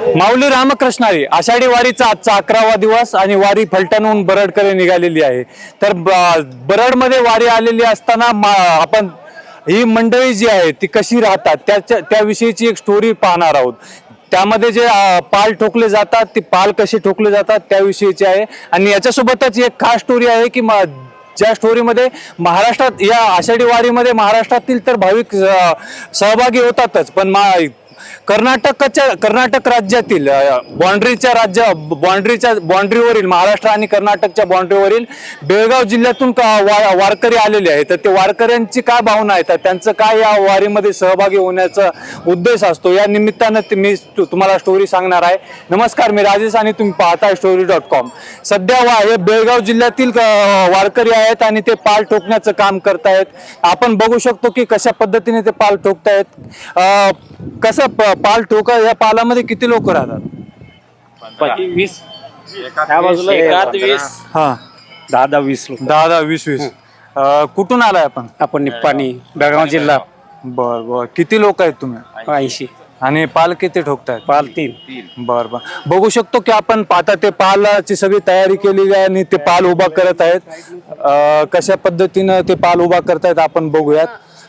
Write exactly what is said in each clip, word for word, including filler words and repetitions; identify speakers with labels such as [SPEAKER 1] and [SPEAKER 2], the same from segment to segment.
[SPEAKER 1] माऊली रामकृष्णारी आषाढी वारीचा आजचा अकरावा दिवस आणि वारी फलटणहून बरडकडे निघालेली आहे. तर बरडमध्ये वारी आलेली असताना आपण ही मंडळी जी आहे ती कशी राहतात त्याच्या त्याविषयीची एक स्टोरी पाहणार आहोत. त्यामध्ये जे पाल ठोकले जातात ते पाल कसे ठोकले जातात त्याविषयीची आहे. आणि याच्यासोबतच एक खास स्टोरी आहे की ज्या स्टोरीमध्ये महाराष्ट्रात या आषाढी वारीमध्ये महाराष्ट्रातील तर भाविक सहभागी होतातच, पण कर्नाटकच्या कर्नाटक राज्यातील बाँड्रीच्या राज्य बाँड्रीच्या बाँड्रीवरील महाराष्ट्र आणि कर्नाटकच्या बाँड्रीवरील बेळगाव जिल्ह्यातून वारकरी आलेले आहेत. तर ते वारकऱ्यांची काय भावना आहेत, त्यांचं काय या वारीमध्ये सहभागी होण्याचा उद्देश असतो, या निमित्तानं मी तुम्हाला स्टोरी सांगणार आहे. नमस्कार, मी राजेश आणि तुम्ही पाहताय स्टोरी डॉट कॉम. सध्या वा हे बेळगाव जिल्ह्यातील वारकरी आहेत आणि ते पाल ठोकण्याचं काम करतायत. आपण बघू शकतो की कशा पद्धतीने ते पाल ठोकतायत. कसं पाल ठोका, या पालामध्ये किती लोक राहतात?
[SPEAKER 2] वीस त्या बाजूला वीस
[SPEAKER 1] हा
[SPEAKER 2] दहा दहा वीस लोक
[SPEAKER 1] दहा दहा वीस वीस कुठून आलाय आपण?
[SPEAKER 2] आपण निप्पाणी बेळगाव जिल्हा.
[SPEAKER 1] बर बर किती लोक आहेत तुम्ही?
[SPEAKER 2] ऐंशी.
[SPEAKER 1] आणि पाल किती ठोकतायत?
[SPEAKER 2] पाल तीन.
[SPEAKER 1] बर बर बघू शकतो की आपण पाहता ते पालाची सगळी तयारी केली आहे आणि ते पाल उभा करत आहेत. कशा पद्धतीनं ते पाल उभा करतायत आपण बघूयात.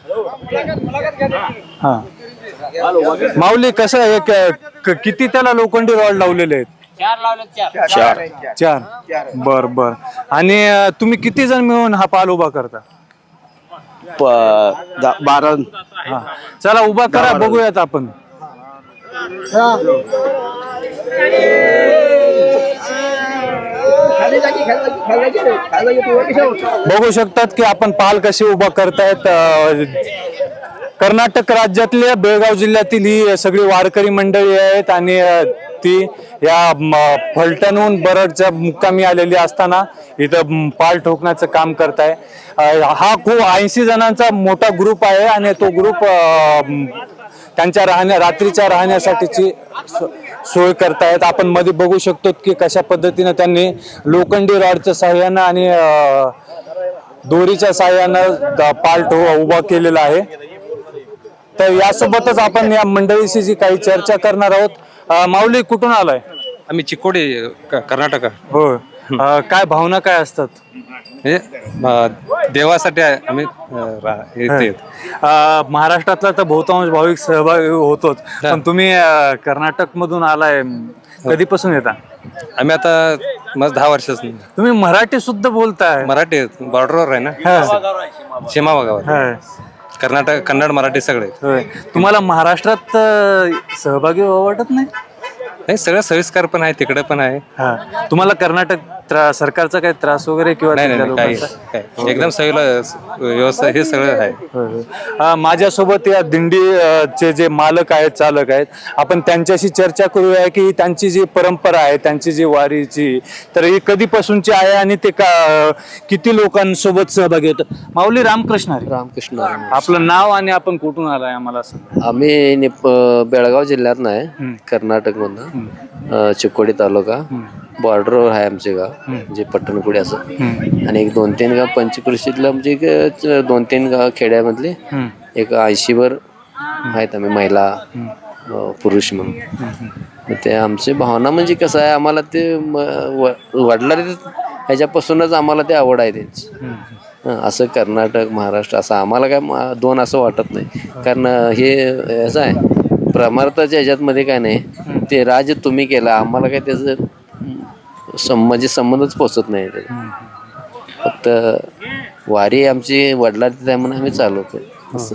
[SPEAKER 1] हा माऊली, कसं आहे, किती त्याला लोखंडी रॉड लावलेले आहेत?
[SPEAKER 2] चार.
[SPEAKER 1] चार. बर बर आणि तुम्ही किती जण मिळून हा पाल उभा करता?
[SPEAKER 2] बारा.
[SPEAKER 1] हा चला उभा करा, बघूयात आपण. बघू शकतात की आपण पाल कसे उभा करतायत. कर्नाटक राज्यातल्या बेळगाव जिल्ह्यातील ही सगळी वारकरी मंडळी आहेत आणि ती या फलटणहून बरडच्या मुक्कामी आलेली असताना इथं पाल ठोकण्याचं काम करताय. हा खूप ऐंशी जणांचा मोठा ग्रुप आहे आणि तो ग्रुप त्यांच्या राहण्या रात्रीच्या राहण्यासाठीची सोय करतायत. आपण मध्ये बघू शकतो की कशा पद्धतीने त्यांनी लोखंडी रॉडच्या साह्यानं आणि दोरीच्या साह्यानं पाल ठो उभा केलेला आहे. तर यासोबतच आपण या मंडळीशी जी काही चर्चा करणार आहोत. माऊली, कुठून आलाय?
[SPEAKER 3] आम्ही चिकोडी, कर्नाटक.
[SPEAKER 1] हो. काय भावना काय असतात?
[SPEAKER 3] देवासाठी आम्ही
[SPEAKER 1] महाराष्ट्रातला तर बहुतांश भाविक सहभागी होतोच, पण तुम्ही कर्नाटक मधून आलाय, कधीपासून येता?
[SPEAKER 3] आम्ही आता मग दहा वर्ष.
[SPEAKER 1] तुम्ही मराठी सुद्धा बोलताय?
[SPEAKER 3] मराठी बॉर्डरवर आहे ना, सीमा भागावर. कर्नाटक, कन्नड, मराठी सगळे.
[SPEAKER 1] तुम्हाला महाराष्ट्रात सहभागी वाटत नाही?
[SPEAKER 3] नाही, सगळं सोयीस्कर पण आहे, तिकडे पण आहे.
[SPEAKER 1] तुम्हाला कर्नाटक सरकारचा काही त्रास वगैरे किंवा
[SPEAKER 3] एकदम व्यवस्था हे सगळं आहे.
[SPEAKER 1] माझ्यासोबत या दिंडीचे जे मालक आहेत, चालक आहेत, आपण त्यांच्याशी चर्चा करूया की त्यांची जी परंपरा आहे, त्यांची जी वारीची, तर ही कधीपासूनची आहे आणि ते का किती लोकांसोबत सहभागी होतं. माऊली रामकृष्ण
[SPEAKER 4] रामकृष्ण.
[SPEAKER 1] आपलं नाव आणि आपण कुठून आलाय आम्हाला सांगा.
[SPEAKER 4] आम्ही बेळगाव जिल्ह्यात नाही, कर्नाटक मधनं, चिकोडी तालुका, बॉर्डरवर आहे आमचे गाव, म्हणजे पट्टणकुडी असं. आणि एक दोन तीन गाव पंचकृषीतलं, म्हणजे दोन तीन गाव खेड्यामधले एक ऐंशी वर आहेत आम्ही, महिला पुरुष म्हणून. ते आमची भावना म्हणजे कसं आहे, आम्हाला ते वडला ह्याच्यापासूनच आम्हाला ते आवड आहे त्यांची. असं कर्नाटक, महाराष्ट्र असं आम्हाला काय दोन असं वाटत नाही. कारण हे असं आहे, परमार्थाच्या ह्याच्यातमध्ये काय नाही, ते राज्य तुम्ही केला, आम्हाला काय त्याचं म्हणजे संबंधच पोचत नाही. फक्त वारी आमची वडिलांची आहे म्हणून आम्ही चालवतो असं.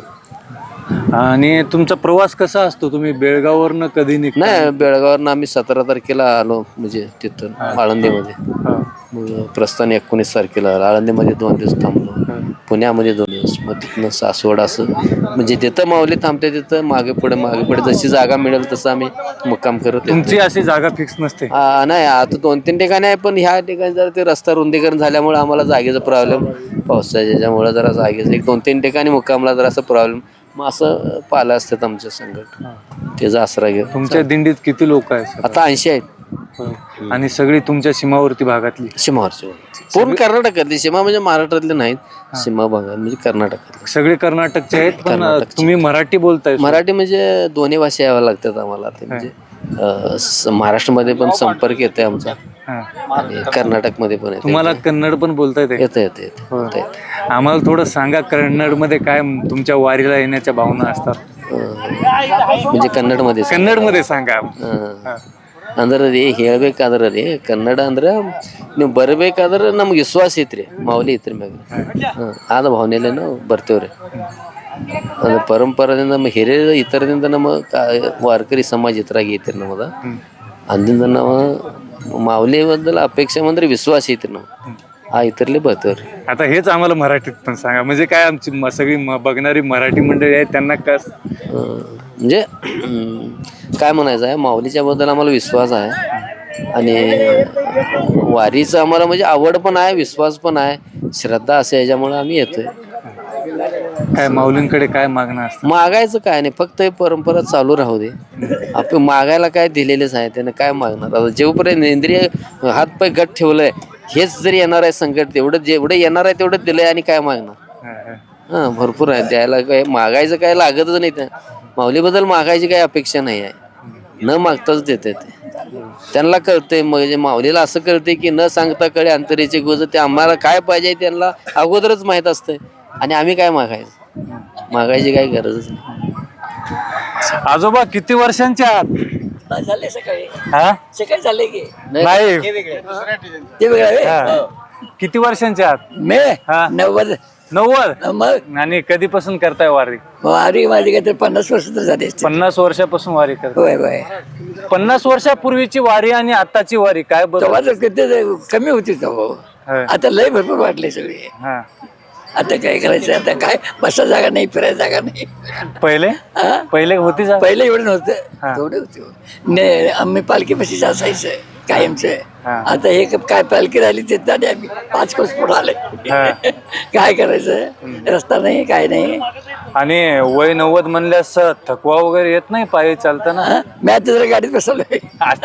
[SPEAKER 1] आणि तुमचा प्रवास कसा असतो? तुम्ही बेळगाववरनं कधी निघता?
[SPEAKER 4] नाही, बेळगाववरनं आम्ही सतरा तारखेला आलो, म्हणजे तिथं आळंदीमध्ये. मग प्रस्थान एकोणीस तारखेला आळंदीमध्ये दोन दिवस थांबलो, पुण्यामध्ये दोन दिवस, मग तिथनं सासवड असं, म्हणजे तिथं माऊली थांबते, तिथं मागे पुढे मागे पुढे जशी जागा मिळेल तसं आम्ही मुक्काम करत.
[SPEAKER 1] तुमची अशी जागा फिक्स नसते?
[SPEAKER 4] नाही, आता दोन तीन ठिकाणी आहे, पण ह्या ठिकाणी जरा ते रस्ता रुंदीकरण झाल्यामुळे आम्हाला जागेचा प्रॉब्लेम, पावसाच्या याच्यामुळे जरा जागेचं एक दोन तीन ठिकाणी मुक्कामला जरा असं प्रॉब्लेम, मग असं पाला असतात आमच्या संकट, त्याचा आसरा घेऊन.
[SPEAKER 1] तुमच्या दिंडीत किती लोक आहेत?
[SPEAKER 4] आता ऐंशी आहेत.
[SPEAKER 1] आणि सगळी तुमच्या सीमावर्ती भागातली?
[SPEAKER 4] सीमावरची, पूर्ण कर्नाटकातली. सीमा म्हणजे महाराष्ट्रातले नाहीत, सीमा भागात म्हणजे कर्नाटकातले
[SPEAKER 1] सगळे कर्नाटकचे आहेत. पण तुम्ही मराठी बोलताय?
[SPEAKER 4] मराठी म्हणजे दोन्ही भाषा याव्या लागतात आम्हाला, ते म्हणजे अं, स- महाराष्ट्रामध्ये पण संपर्क येतोय आमचा
[SPEAKER 1] हा.
[SPEAKER 4] आणि कर्नाटकमध्ये पण येतोय.
[SPEAKER 1] तुम्हाला कन्नड पण बोलता येते?
[SPEAKER 4] येतं येतं येतं येतं येतं.
[SPEAKER 1] आम्हाला थोडं सांगा कन्नड मध्ये काय तुमच्या वारीला येण्याच्या भावना असतात?
[SPEAKER 4] अं, म्हणजे कन्नडमध्ये
[SPEAKER 1] कन्नड मध्ये सांगा.
[SPEAKER 4] ಹಾ. ಅಂದ್ರೆ ರೀ ಹೇಳ್ಬೇಕಾದ್ರೆ ರೀ ಕನ್ನಡ ಅಂದ್ರೆ ನೀವು ಬರ್ಬೇಕಾದ್ರೆ ನಮ್ಗೆ ವಿಶ್ವಾಸ ಐತ್ರಿ ಮಾವಲಿ ಐತ್ರಿ ಮ್ಯಾಗ ಹ್ಮ್ ಆದ ಭಾವನೆಯಲ್ಲೇ ನಾವು ಬರ್ತೇವ್ರಿ. ಅದು ಪರಂಪರಾದಿಂದ ನಮ್ಮ ಹಿರಿಯರ ಇತರದಿಂದ ನಮ್ಮ ಕಾ- ವಾರಕರಿ ಸಮಾಜ ಇತರಾಗಿ ಐತ್ರಿ ನಮ್ಮದ ಅಂದಿಂದ ನಾವು माऊली बद्दल अपेक्षा म्हणजे विश्वास येते ना हा इतरले बघतोर.
[SPEAKER 1] आता हेच आम्हाला मराठीत पण सांगा, म्हणजे काय आमची म- सगळी म- बघणारी मराठी मंडळी आहेत त्यांना कस
[SPEAKER 4] म्हणजे अं, काय म्हणायचं आहे माऊलीच्या बद्दल आम्हाला विश्वास आहे आणि वारीचं आम्हाला म्हणजे आवड पण आहे विश्वास पण आहे श्रद्धा असे याच्यामुळे आम्ही येतोय.
[SPEAKER 1] काय माऊलींकडे काय मागणं असतं?
[SPEAKER 4] मागायचं काय नाही फक्त हे परंपरा चालू राहू दे. आपण मागायला काय दिलेलेच आहे त्याने काय मागणार आता जेवपर्यंत इंद्रिय हात पाय गट ठेवलंय हेच जरी येणार आहे संकट तेवढं जेवढं येणार आहे तेवढं दिलंय आणि काय मागणार. हा भरपूर आहे द्यायला काय मागायचं काय लागतच नाही त्या माऊलीबद्दल मागायची काही अपेक्षा नाही आहे न मागताच देते ते त्यांना कळतंय म्हणजे माऊलीला असं कळतंय की न सांगता कळे अंतरेचे गोज ते आम्हाला काय पाहिजे त्यांना अगोदरच माहित असतंय आणि आम्ही काय मागायचं मागायची काही गरजच नाही.
[SPEAKER 1] आजोबा किती वर्षांचे आहात?
[SPEAKER 5] झाले सकाळी
[SPEAKER 1] हा?
[SPEAKER 5] सकाळी झाले की
[SPEAKER 1] नाही
[SPEAKER 5] ते वेगळं
[SPEAKER 1] हा. किती वर्षांचे आहात?
[SPEAKER 5] मे
[SPEAKER 1] हा.
[SPEAKER 5] नव्वद
[SPEAKER 1] नव्वद.
[SPEAKER 5] मग
[SPEAKER 1] आणि कधीपासून करताय वारी?
[SPEAKER 5] वारी माझी काय तर पन्नास वर्ष तर झाले असतील.
[SPEAKER 1] पन्नास वर्षापासून वारी करताय?
[SPEAKER 5] होय होय
[SPEAKER 1] पन्नास वर्षापूर्वीची वारी आणि आताची वारी काय बरं?
[SPEAKER 5] तेव्हा तर किती कमी होती तेव्हा
[SPEAKER 1] हा.
[SPEAKER 5] आता लय भरपूर वाटले सगळे.
[SPEAKER 1] हा.
[SPEAKER 5] आता काय करायचं आता काय बसा जागा नाही फिरायला जागा नाही.
[SPEAKER 1] पहिले
[SPEAKER 5] हा?
[SPEAKER 1] पहिले होती जा
[SPEAKER 5] पहिले एवढं नव्हतं
[SPEAKER 1] हा.
[SPEAKER 5] तेवढे होते ने आम्ही पालखी पशीच असायचं कायमचं.
[SPEAKER 1] हा.
[SPEAKER 5] आता हे काय पालखी राहिली ते आणि आम्ही पाच कोस पुढे आले.
[SPEAKER 1] हा.
[SPEAKER 5] काय करायचं रस्ता नाही काय नाही.
[SPEAKER 1] आणि वय नव्वद म्हणल्यास थकवा वगैरे येत नाही पायी चालताना?
[SPEAKER 5] हा? मी आता जरा गाडीत बसवलोय.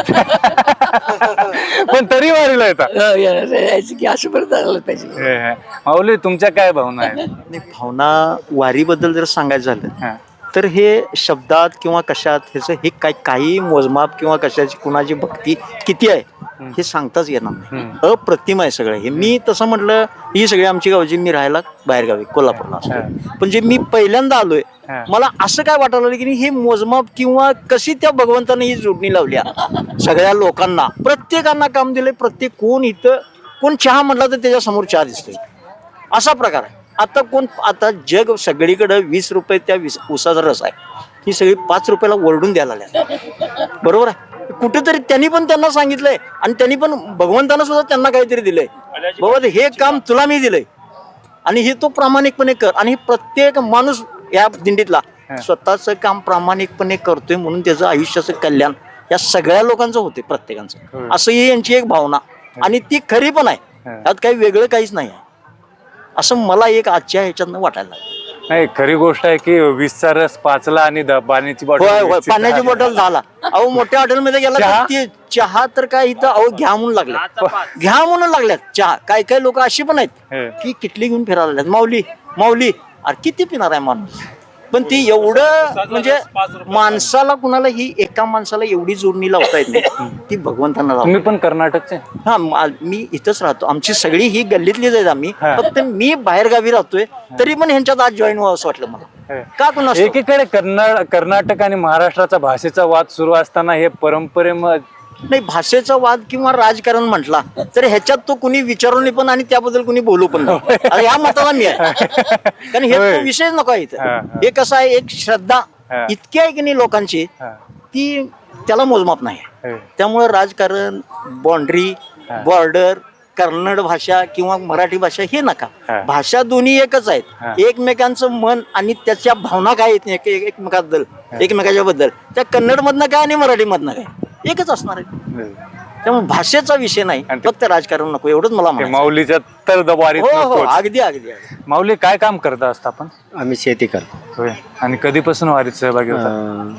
[SPEAKER 1] पण तरी वारीला येतात?
[SPEAKER 5] हो, येणार यायचं की असं परत आलं पाहिजे.
[SPEAKER 1] हे, हे. माऊली तुमच्या काय भावना आहेत?
[SPEAKER 6] आणि भावना वारीबद्दल जर सांगायचं झालं
[SPEAKER 1] हा.
[SPEAKER 6] तर हे शब्दात किंवा कशात ह्याचं हे काय काही मोजमाप किंवा कशाची कुणाची भक्ती किती आहे हे सांगताच येणार नाही. अप्रतिम आहे सगळं हे. मी तसं म्हटलं ही सगळी आमची गावची मी राहायला बाहेरगावी कोल्हापूरला असतो पण जे मी पहिल्यांदा आलोय मला असं काय वाटायला लागलं की हे मोजमाप किंवा कशी त्या भगवंताने ही जोडणी लावल्या सगळ्या लोकांना प्रत्येकांना काम दिलंय. प्रत्येक कोण इथं कोण चहा म्हटला तर त्याच्या समोर चहा दिसतोय असा प्रकार आहे. आता कोण आता जग सगळीकडे वीस रुपये त्या वीस उसाचा रस आहे ही सगळी पाच रुपयाला ओरडून द्यायला लागल्या बरोबर आहे. कुठेतरी त्यांनी पण त्यांना सांगितलंय आणि त्यांनी पण भगवंतानं सुद्धा त्यांना काहीतरी दिलंय बाबा हे काम तुला मी दिलंय आणि हे तो प्रामाणिकपणे कर. आणि प्रत्येक माणूस या दिंडीतला स्वतःचं काम प्रामाणिकपणे करतोय म्हणून त्याचं आयुष्याचं कल्याण या सगळ्या लोकांचं होते प्रत्येकांचं असं ही यांची एक भावना आणि ती खरी पण आहे. त्यात काही वेगळं काहीच नाही आहे असं मला एक आजच्या ह्याच्यातनं वाटायला लागलं.
[SPEAKER 1] नाही खरी गोष्ट आहे की वीसचा रस पाचला आणि द- पाण्याची
[SPEAKER 6] होय होय
[SPEAKER 1] बॉटल
[SPEAKER 6] पाण्याची बॉटल झाला. अहो मोठ्या हॉटेलमध्ये गेला
[SPEAKER 1] चहा?
[SPEAKER 6] तर ते चहा तर काय इथं अहो घ्या म्हणून लागल्या घ्या म्हणून लागल्यात चहा. काय काय लोक अशी पण आहेत की किटली घेऊन फिरायला लागल्यात माऊली माऊली अरे किती पिणार आहे माणूस. पण ती एवढं म्हणजे माणसाला कुणाला ही एका माणसाला एवढी जोडणी लावता येत नाही ती भगवंतांना लावता.
[SPEAKER 1] तुम्ही पण कर्नाटकचे?
[SPEAKER 6] हा मा- मी इथंच राहतो. आमची सगळी ही गल्लीतलीच आहेत आम्ही.
[SPEAKER 1] हा.
[SPEAKER 6] फक्त मी बाहेर गावी राहतोय तरी पण ह्यांच्यात आज जॉईन व्हावं असं वाटलं मला. का कुणा
[SPEAKER 1] एकीकडे कर्नाटक कर्नाटक आणि महाराष्ट्राचा भाषेचा वाद सुरू असताना हे परंपरे
[SPEAKER 6] नाही भाषेचा वाद किंवा राजकारण म्हटला तर ह्याच्यात तो कुणी विचारून पण आणि त्याबद्दल कुणी बोलू पण नाही. आता या मताला मी आहे कारण हे
[SPEAKER 1] होय.
[SPEAKER 6] तो विषय नको आहे
[SPEAKER 1] हा,
[SPEAKER 6] इथं.
[SPEAKER 1] हा.
[SPEAKER 6] हे कसं आहे एक श्रद्धा
[SPEAKER 1] हा.
[SPEAKER 6] इतकी आहे की नाही लोकांची ती त्याला मोजमाप नाही आहे. त्यामुळे राजकारण बाउंड्री बॉर्डर कन्नड भाषा किंवा मराठी भाषा हे
[SPEAKER 1] हा.
[SPEAKER 6] नका. भाषा दोन्ही एकच
[SPEAKER 1] हा.
[SPEAKER 6] आहेत. एकमेकांचं मन आणि त्याच्या भावना काय आहेत एक- एक- एकमेकाबद्दल एकमेकाच्या बद्दल त्या कन्नड मधनं काय आणि मराठी मधनं काय एकच असणार आहे. त्यामुळे भाषेचा विषय नाही फक्त राजकारण नको एवढंच मला म्हणायचं.
[SPEAKER 1] माऊलीच्या तर दबारीत
[SPEAKER 6] हो हो
[SPEAKER 1] नकोच.
[SPEAKER 6] अगदी अगदी अगदी.
[SPEAKER 1] माऊली काय काम करता असता आपण?
[SPEAKER 2] आम्ही शेती करतो.
[SPEAKER 1] होय. आणि कधीपासून वारीत सहभागी होता?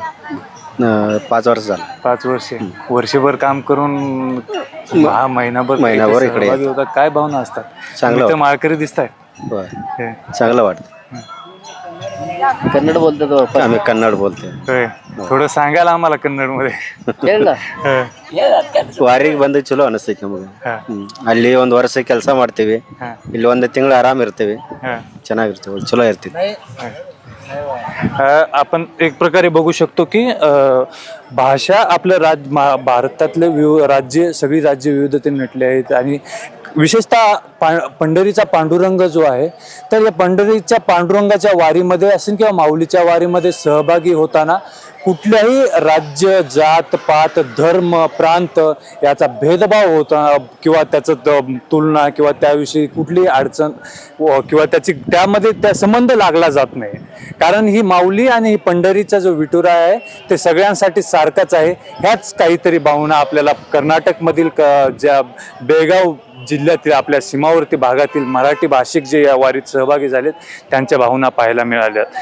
[SPEAKER 2] अं, पाच वर्ष झालं.
[SPEAKER 1] पाच वर्षे वर्षभर काम करून हा महिनाभर
[SPEAKER 2] महिनाभर इकडे
[SPEAKER 1] सहभागी होता. काय भावना असतात?
[SPEAKER 2] चांगलं
[SPEAKER 1] तुम्ही तर
[SPEAKER 2] वाटतं.
[SPEAKER 1] माळकरी दिसताय.
[SPEAKER 2] बरं
[SPEAKER 1] हे.
[SPEAKER 2] चांगलं वाटतं.
[SPEAKER 4] कन्नड बोलतात बाप्पा.
[SPEAKER 2] आम्ही कन्नड बोलतोय.
[SPEAKER 1] होय. थोडं सांगायला आम्हाला कन्नड मध्ये
[SPEAKER 4] ಕೇಳ್ದ?
[SPEAKER 2] ವಾರಿಗೆ ಬಂದು ಚಲೋ ಅನಿಸ್ತೈತಿ ನಮಗೆ. ಹ್ಮ್. ಅಲ್ಲಿ ಒಂದು ವರ್ಷ ಕೆಲಸ ಮಾಡ್ತೀವಿ, ಇಲ್ಲಿ ಒಂದು ತಿಂಗಳು ಆರಾಮ್ ಇರ್ತೀವಿ, ಚೆನ್ನಾಗಿರ್ತೀವಿ, ಚಲೋ ಇರ್ತೀವಿ.
[SPEAKER 1] अ, आपण एक प्रकारे बघू शकतो की अ, भाषा आपलं राज मा- भारतातले विव राज्य सगळी राज्य विविधतेने नटले आहेत आणि विशेषतः पा पंढरीचा पांडुरंग जो आहे तर या पंढरीच्या पांडुरंगाच्या वारीमध्ये असेल किंवा माऊलीच्या वारीमध्ये सहभागी होताना कुठल्याही राज्य जात पात धर्म प्रांत याचा भेदभाव होता किंवा त्याचं त- तुलना किंवा त्याविषयी कुठलीही अडचण व- किंवा त्याची त्यामध्ये त्या संबंध लागला जात नाही कारण ही माऊली आणि ही पंढरीचा जो विठुरा आहे ते सगळ्यांसाठी सारखाच आहे. ह्याच काहीतरी भावना आपल्याला कर्नाटकमधील क ज्या बेळगाव जिल्ह्यातील आपल्या सीमावर्ती भागातील मराठी भाषिक जे या वारीत सहभागी झालेत त्यांच्या भावना पाहायला मिळाल्या.